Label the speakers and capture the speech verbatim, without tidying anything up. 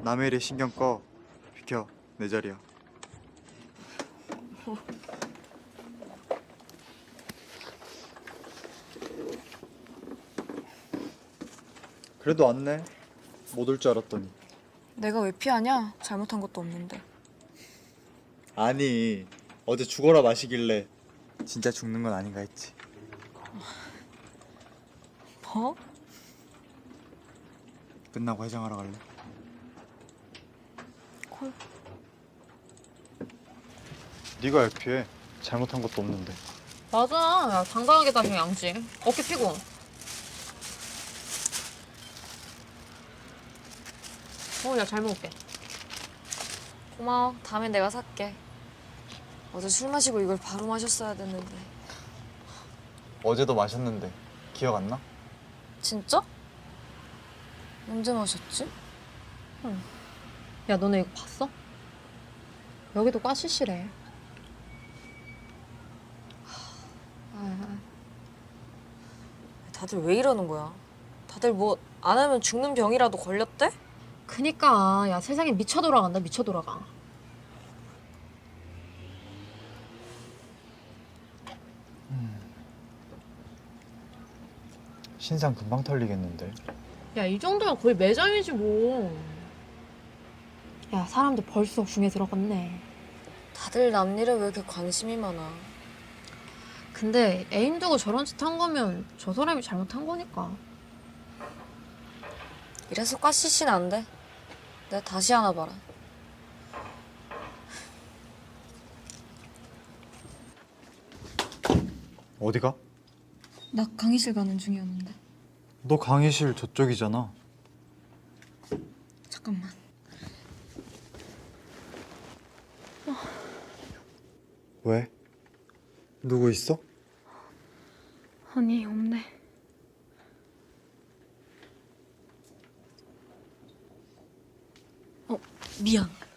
Speaker 1: 남의 일에 신경 꺼. 비켜, 내 자리야. 그래도 왔네. 못 올 줄 알았더니.
Speaker 2: 내가 왜 피하냐? 잘못한 것도 없는데.
Speaker 1: 아니, 어제 죽어라 마시길래 진짜 죽는 건 아닌가 했지.
Speaker 2: 뭐?
Speaker 1: 끝나고 해장하러 갈래?
Speaker 2: 콜.
Speaker 1: 네가 왜 피해? 잘못한 것도 없는데.
Speaker 3: 맞아. 야, 당당하게 다시 양지. 어깨 피고. 어, 야, 잘 먹을게.
Speaker 2: 고마워. 다음엔 내가 살게. 어제 술 마시고 이걸 바로 마셨어야 됐는데.
Speaker 1: 어제도 마셨는데 기억 안 나?
Speaker 2: 진짜? 언제 마셨지?
Speaker 3: 야, 너네 이거 봤어? 여기도 까시시래. 아,
Speaker 2: 다들 왜 이러는 거야? 다들 뭐 안 하면 죽는 병이라도 걸렸대?
Speaker 3: 그니까 야, 세상에 미쳐 돌아간다. 미쳐 돌아가.
Speaker 1: 신상 금방 털리겠는데.
Speaker 3: 야, 이 정도면 거의 매장이지 뭐. 야, 사람들 벌써 중에 들어갔네.
Speaker 2: 다들 남 일에 왜 이렇게 관심이 많아?
Speaker 3: 근데 애인 두고 저런 짓 한 거면 저 사람이 잘못한 거니까.
Speaker 2: 이래서 까시시는 안 돼. 내가 다시 하나 봐라.
Speaker 1: 어디가?
Speaker 2: 나 강의실 가는 중이었는데.
Speaker 1: 너 강의실 저쪽이잖아.
Speaker 2: 잠깐만.
Speaker 1: 왜? 누구 있어?
Speaker 2: 아니, 없네. 어, 미안.